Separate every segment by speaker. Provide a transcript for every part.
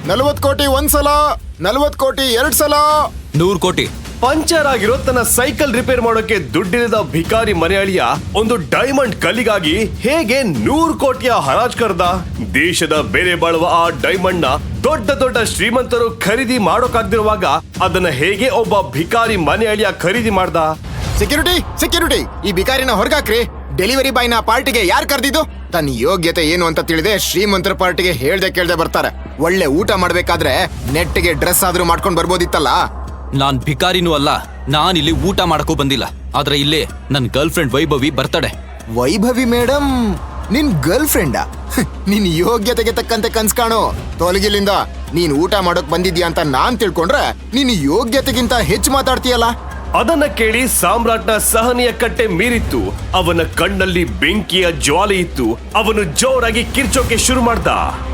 Speaker 1: 40 ಕೋಟಿ ಒಂದ್ಸಲ, 40 ಕೋಟಿ 2 ಸಲ,
Speaker 2: 100 ಕೋಟಿ.
Speaker 3: ಪಂಚರ್ ಆಗಿರೋ ತನ್ನ ಸೈಕಲ್ ರಿಪೇರ್ ಮಾಡೋಕೆ ದುಡ್ಡಿಲ್ಲದ ಭಿಕಾರಿ ಮನೆಯಾಳಿಯ ಒಂದು ಡೈಮಂಡ್ ಕಲ್ಲಿಗಾಗಿ ಹೇಗೆ 100 ಕೋಟಿಯ ಹರಾಜ್ ಕರ್ದ. ದೇಶದ ಬೆಲೆ ಬಾಳುವ ಆ ಡೈಮಂಡ್ ನ ದೊಡ್ಡ ದೊಡ್ಡ ಶ್ರೀಮಂತರು ಖರೀದಿ ಮಾಡೋಕಾಗ್ದಿರುವಾಗ ಅದನ್ನ ಹೇಗೆ ಒಬ್ಬ ಭಿಕಾರಿ ಮನೆಯಾಳಿಯ ಖರೀದಿ ಮಾಡ್ದ.
Speaker 1: ಸೆಕ್ಯೂರಿಟಿ, ಈ ಭಿಕಾರಿನ ಹೊರಗಾಕ್ರಿ. ಡೆಲಿವರಿ ಬಾಯ್ನ ಪಾರ್ಟಿಗೆ ಯಾರು ಕರೆದಿದ್ದು? ತನ್ನ ಯೋಗ್ಯತೆ ಏನು ಅಂತ ತಿಳಿದೆ ಶ್ರೀಮಂತರ ಪಾರ್ಟಿಗೆ ಹೇಳ್ದೆ ಕೇಳ್ದೆ ಬರ್ತಾರೆ. ಒಳ್ಳೆ ಊಟ ಮಾಡ್ಬೇಕಾದ್ರೆ ನೆಟ್ಟಿಗೆ ಡ್ರೆಸ್ ಆದ್ರೂ ಮಾಡ್ಕೊಂಡ್ ಬರ್ಬೋದಿತ್ತಲ್ಲ.
Speaker 2: ನಾನ್ ಭಿಕಾರಿನೂ ಅಲ್ಲ, ನಾನಿಲ್ಲಿ ಊಟ ಮಾಡಕ್ಕೂ ಬಂದಿಲ್ಲ. ಆದ್ರೆ ಇಲ್ಲೇ ನನ್ girlfriend Vaibhavi birthday.
Speaker 1: Vaibhavi madam ನಿನ್ ಗರ್ಲ್ ಫ್ರೆಂಡಾ? ನಿನ್ ಯೋಗ್ಯತೆಗೆ ತಕ್ಕಂತೆ ಕನ್ಸ್ ಕಾಣು. ತೊಲಗಿಲಿಂದ ನೀನ್ ಊಟ ಮಾಡೋಕ್ ಬಂದಿದ್ಯಾ ಅಂತ ನಾನ್ ತಿಳ್ಕೊಂಡ್ರೆ ನೀನ್ ಯೋಗ್ಯತೆಗಿಂತ ಹೆಚ್ಚು ಮಾತಾಡ್ತೀಯಲ್ಲ.
Speaker 3: ಅದನ್ನ ಕೇಳಿ ಸಾಮ್ರಾಟ್ನ ಸಹನೆಯ ಕಟ್ಟೆ ಮೀರಿತ್ತು. ಅವನ ಕಣ್ಣಲ್ಲಿ ಬೆಂಕಿಯ ಜ್ವಾಲೆ ಇತ್ತು. ಅವನು ಜೋರಾಗಿ ಕಿರ್ಚೋಕೆ ಶುರು ಮಾಡ್ದ.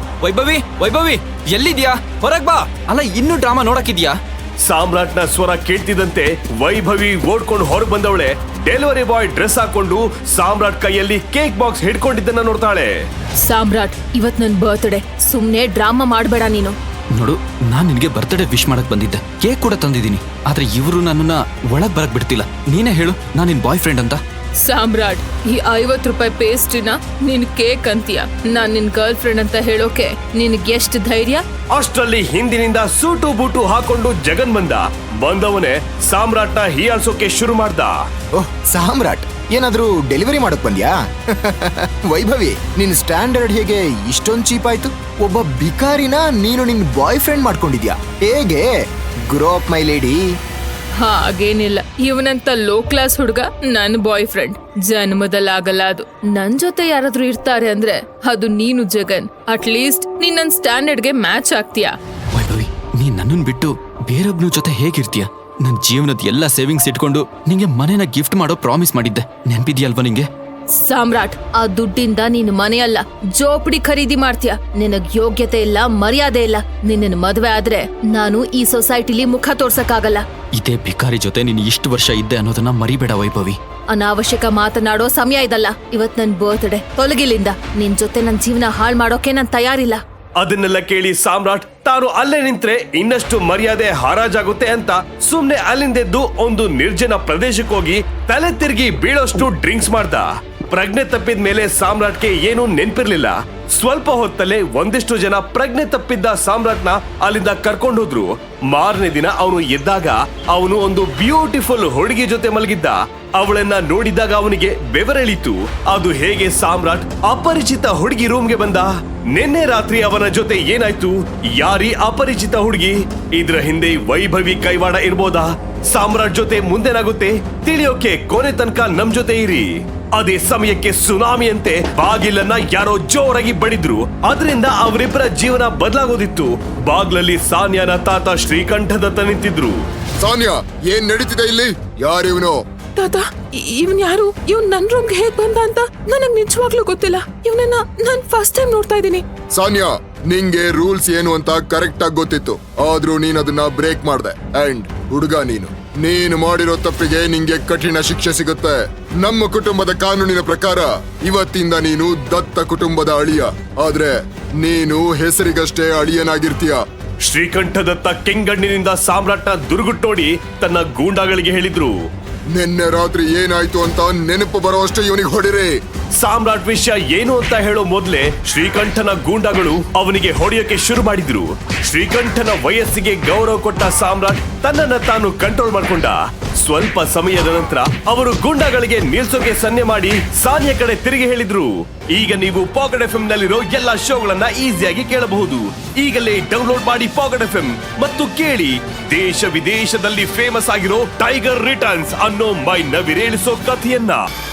Speaker 2: ವೈಭವಿ ಎಲ್ಲಿದ್ಯಾ? ಹೊರಗ್ ಬಾ. ಅಲ್ಲ, ಇನ್ನೂ ಡ್ರಾಮಾ ನೋಡಕ್ಕಿದ್ಯಾ?
Speaker 3: ಸಾಮ್ರಾಟ್ನ ಸ್ವರ ಕೇಳ್ತಿದ್ದಂತೆ ವೈಭವಿ ಓಡ್ಕೊಂಡು ಹೊರಗೆ ಬಂದವಳೆ. ಡೆಲಿವರಿ ಬಾಯ್ ಡ್ರೆಸ್ ಹಾಕೊಂಡು ಸಾಮ್ರಾಟ್ ಕೈಯಲ್ಲಿ ಕೇಕ್ ಬಾಕ್ಸ್ ಹಿಡ್ಕೊಂಡಿದ್ದನ್ನ ನೋಡ್ತಾಳೆ.
Speaker 4: ಸಾಮ್ರಾಟ್, ಇವತ್ ನನ್ ಬರ್ತ್ಡೇ, ಸುಮ್ನೆ ಡ್ರಾಮಾ ಮಾಡ್ಬೇಡ ನೀನು.
Speaker 2: ನೋಡು, ನಾನ್ ನಿನ್ಗೆ ಬರ್ತ್ಡೇ ವಿಶ್ ಮಾಡಕ್ ಬಂದಿದ್ದೆ. ಕೇಕ್ ಕೂಡ ತಂದಿದ್ದೀನಿ. ಆದ್ರೆ ಇವರು ನನ್ನನ್ನ ಒಳಗ್ ಬರಕ್ ಬಿಡ್ತಿಲ್ಲ. ನೀನೇ ಹೇಳು, ನಾನ್ ನಿನ್ ಬಾಯ್ ಫ್ರೆಂಡ್ ಅಂತ.
Speaker 4: ಸಾಮ್ರಾಟ್, ಈ 50 ರೂಪಾಯಿ ಪೇಸ್ಟ್ರಿನ ನಿನ್ ಕೇಕ್ ಅಂತೀಯ. ನಾನ್ ನಿನ್ ಗರ್ಲ್ ಫ್ರೆಂಡ್ ಅಂತ ಹೇಳೋಕೆ ನಿನ್ಗೆ ಎಷ್ಟು ಧೈರ್ಯ?
Speaker 3: ಅಷ್ಟರಲ್ಲಿ ಹಿಂದಿನಿಂದ ಸೂಟು ಬೂಟು ಹಾಕೊಂಡು ಜಗನ್ ಬಂದವನೇ ಸಾಮ್ರಾಟ್ನ ಹೀಯಾಳ್ಸೋಕೆ ಶುರು ಮಾಡ್ದ.
Speaker 1: ಓಹ್ ಸಾಮ್ರಾಟ್, ಏನಾದ್ರೂ ಡೆಲಿವರಿ ಮಾಡಕ್ ಬಂದ್ಯಾ? ವೈಭವಿ, ನಿನ್ ಸ್ಟ್ಯಾಂಡರ್ಡ್ ಹೇಗೆ ಇಷ್ಟೊಂದ್ ಚೀಪ್ ಆಯ್ತು? ಒಬ್ಬ ಭಿಕಾರಿನ ನೀನು ನಿನ್ ಬಾಯ್ ಫ್ರೆಂಡ್ ಮಾಡ್ಕೊಂಡಿದ್ಯಾ? ಹೇಗೆ? Grow up my lady.
Speaker 4: ಹಾಗೇನಿಲ್ಲ, ಇವನಂತ ಲೋ ಕ್ಲಾಸ್ ಹುಡುಗ ನನ್ ಬಾಯ್ ಫ್ರೆಂಡ್ ಜನ್ಮದಲ್ಲಾಗಲ್ಲ. ಅದು ನನ್ ಜೊತೆ ಯಾರಾದ್ರೂ ಇರ್ತಾರೆ ಅಂದ್ರೆ ಅದು ನೀನು ಜಗನ್. ಅಟ್ ಲೀಸ್ಟ್ ನೀನ್ ನನ್ ಸ್ಟ್ಯಾಂಡರ್ಡ್ಗೆ ಮ್ಯಾಚ್ ಆಗ್ತೀಯಾ?
Speaker 2: ವೈಭವಿ, ನೀನ್ ನನ್ನನ್ ಬಿಟ್ಟು ಬೇರೊಬ್ನ ಜೊತೆ ಹೇಗಿರ್ತೀಯ? ನನ್ ಜೀವನದ ಎಲ್ಲ ಸೇವಿಂಗ್ಸ್ ಇಟ್ಕೊಂಡು ನಿಂಗೆ ಮನೆನ ಗಿಫ್ಟ್ ಮಾಡೋ ಪ್ರಾಮಿಸ್ ಮಾಡಿದ್ದೆ. ನೆನ್ಪಿದ್ಯಲ್ವಾ ನಿಂಗೆ?
Speaker 4: ಸಾಮ್ರಾಟ್, ಆ ದುಡ್ಡಿಂದ ನೀನು ಮನೆಯಲ್ಲ ಜೋಪಡಿ ಖರೀದಿ ಮಾಡ್ತೀಯ. ನಿನಗ್ ಯೋಗ್ಯತೆ ಇಲ್ಲ, ಮರ್ಯಾದೆ ಇಲ್ಲ. ನಿನ್ನ ಮದ್ವೆ ಆದ್ರೆ ನಾನು ಈ ಸೊಸೈಟಿಲಿ ಮುಖ ತೋರ್ಸಕ್ಕಾಗಲ್ಲ.
Speaker 2: ಇದೇ ಭಿಕಾರಿ ಜೊತೆ ನೀನು ಇಷ್ಟು ವರ್ಷ ಇದ್ದೆ ಅನ್ನೋದನ್ನ ಮರಿಬೇಡ ವೈಭವಿ.
Speaker 4: ಅನಾವಶ್ಯಕ ಮಾತನಾಡೋ ಸಮಯ ಇದಲ್ಲ. ಇವತ್ ನನ್ ಬರ್ತ್ಡೇ, ತೊಲಗಿಲಿಂದ. ನಿನ್ ಜೊತೆ ನನ್ ಜೀವನ ಹಾಳ್ ಮಾಡೋಕೆ ನಾನ್ ತಯಾರಿಲ್ಲ.
Speaker 3: ಅದನ್ನೆಲ್ಲ ಕೇಳಿ ಸಾಮ್ರಾಟ್ ತಾನು ಅಲ್ಲೇ ನಿಂತ್ರೆ ಇನ್ನಷ್ಟು ಮರ್ಯಾದೆ ಹರಾಜಾಗುತ್ತೆ ಅಂತ ಸುಮ್ನೆ ಅಲ್ಲಿಂದೆದ್ದು ಒಂದು ನಿರ್ಜನ ಪ್ರದೇಶಕ್ಕೆ ಹೋಗಿ ತಲೆ ತಿರುಗಿ ಬೀಳೋಷ್ಟು ಡ್ರಿಂಕ್ಸ್ ಮಾಡ್ದ. ಪ್ರಜ್ಞೆ ತಪ್ಪಿದ ಮೇಲೆ ಸಾಮ್ರಾಟ್ಗೆ ಏನೂ ನೆನ್ಪಿರ್ಲಿಲ್ಲ. ಸ್ವಲ್ಪ ಹೊತ್ತಲ್ಲೇ ಒಂದಿಷ್ಟು ಜನ ಪ್ರಜ್ಞೆ ತಪ್ಪಿದ್ದ ಸಾಮ್ರಾಟ್ನ ಅಲ್ಲಿಂದ ಕರ್ಕೊಂಡು ಹೋದ್ರು. ಮಾರನೇ ದಿನ ಅವನು ಎದ್ದಾಗ ಅವನು ಒಂದು ಬ್ಯೂಟಿಫುಲ್ ಹುಡುಗಿ ಜೊತೆ ಮಲಗಿದ್ದ. ಅವಳನ್ನ ನೋಡಿದಾಗ ಅವನಿಗೆ ಬೆವರೆಳಿತು. ಅದು ಹೇಗೆ ಸಾಮ್ರಾಟ್ ಅಪರಿಚಿತ ಹುಡುಗಿ ರೂಮ್ಗೆ ಬಂದ? ನಿನ್ನೆ ರಾತ್ರಿ ಅವನ ಜೊತೆ ಏನಾಯ್ತು? ಯಾರೀ ಅಪರಿಚಿತ ಹುಡುಗಿ? ಇದ್ರ ಹಿಂದೆ ವೈಭವಿ ಕೈವಾಡ ಇರ್ಬೋದಾ? ಸಾಮ್ರಾಟ್ ಜೊತೆ ಮುಂದೇನಾಗುತ್ತೆ ತಿಳಿಯೋಕೆ ಕೊನೆ ತನಕ ನಮ್ ಜೊತೆ ಇರಿ. ಅದೇ ಸಮಯಕ್ಕೆ ಸುನಾಮಿಯಂತೆ ಬಾಗಿಲನ್ನ ಯಾರೋ ಜೋರಾಗಿ ಬಡಿದ್ರು. ಅದರಿಂದ ಅವರಿಬ್ಬರ ಜೀವನ ಬದಲಾಗೋದಿತ್ತು. ಬಾಗ್ಲಲ್ಲಿ ಸಾನ್ಯಾನ ತಾತ ಶ್ರೀಕಂಠದತ್ತ ನಿಂತಿದ್ರು.
Speaker 1: ಸಾನ್ಯಾ, ಏನ್ ನಡೀತಿದೆ ಇಲ್ಲಿ? ಯಾರಿವನು?
Speaker 4: ತಾತ, ಇವನ್ ಯಾರು? ಇವನ್ ನನ್ ರೂಮ್ಗೆ ಹೇಗ್ ಬಂದ ಅಂತ ನನಗ್ ನಿಜವಾಗ್ಲೂ ಗೊತ್ತಿಲ್ಲ. ಇವನನ್ನ ನಾನ್ ಫಸ್ಟ್ ಟೈಮ್ ನೋಡ್ತಾ ಇದ್ದೀನಿ.
Speaker 1: ಸಾನ್ಯಾ, ನಿಂಗೆ ರೂಲ್ಸ್ ಏನು ಅಂತ ಕರೆಕ್ಟ್ ಆಗಿ ಗೊತ್ತಿತ್ತು. ಆದ್ರೂ ನೀನ್ ಅದನ್ನ ಬ್ರೇಕ್ ಮಾಡ್ದೆ. ಅಂಡ್ ಹುಡುಗ, ನೀನು ಮಾಡಿರೋ ತಪ್ಪಿಗೆ ನಿಂಗೆ ಕಠಿಣ ಶಿಕ್ಷೆ ಸಿಗುತ್ತೆ. ನಮ್ಮ ಕುಟುಂಬದ ಕಾನೂನಿನ ಪ್ರಕಾರ ಇವತ್ತಿಂದ ನೀನು ದತ್ತ ಕುಟುಂಬದ ಅಳಿಯ. ಆದ್ರೆ ನೀನು ಹೆಸರಿಗಷ್ಟೇ ಅಳಿಯನಾಗಿರ್ತೀಯ.
Speaker 3: ಶ್ರೀಕಂಠದತ್ತ ಕೆಂಗಣ್ಣಿನಿಂದ ಸಾಮ್ರಾಟ್ನ ದುರ್ಗುಟ್ಟೋಡಿ ತನ್ನ ಗೂಂಡಾಗಳಿಗೆ ಹೇಳಿದ್ರು.
Speaker 1: ನಿನ್ನೆ ರಾತ್ರಿ ಏನಾಯ್ತು ಅಂತ ನೆನಪು ಬರೋಷ್ಟೇ ಇವನಿಗೆ ಹೊಡಿರಿ.
Speaker 3: ಸಾಮ್ರಾಟ್ ವಿಷಯ ಏನು ಅಂತ ಹೇಳೋ ಮೊದ್ಲೇ ಶ್ರೀಕಂಠನ ಗೂಂಡಾಗಳು ಅವನಿಗೆ ಹೊಡೆಯೋಕೆ ಶುರು ಮಾಡಿದ್ರು. ಶ್ರೀಕಂಠನ ವಯಸ್ಸಿಗೆ ಗೌರವ ಕೊಟ್ಟ ಸಾಮ್ರಾಟ್ ತನ್ನನ್ನ ತಾನು ಕಂಟ್ರೋಲ್ ಮಾಡ್ಕೊಂಡ. ಸ್ವಲ್ಪ ಸಮಯದ ನಂತರ ಅವರು ಗೂಂಡಾಗಳಿಗೆ ನಿಲ್ಸೋಕೆ ಸನ್ನೆ ಮಾಡಿ ಸಾನ್ಯ ಕಡೆ ತಿರುಗಿ ಹೇಳಿದ್ರು. ಈಗ ನೀವು ಪಾಕೆಟ್ ಎಫ್ಎಂ ನಲ್ಲಿರೋ ಎಲ್ಲಾ ಶೋಗಳನ್ನ ಈಸಿಯಾಗಿ ಕೇಳಬಹುದು. ಈಗಲೇ ಡೌನ್ಲೋಡ್ ಮಾಡಿ ಪಾಕೆಟ್ ಎಫ್ಎಂ ಮತ್ತು ಕೇಳಿ ದೇಶ ವಿದೇಶದಲ್ಲಿ ಫೇಮಸ್ ಆಗಿರೋ ಟೈಗರ್ ರಿಟರ್ನ್ಸ್ ಅನ್ನೋ ಮೈ ನವಿರೇಳಿಸೋ ಕಥೆಯನ್ನ.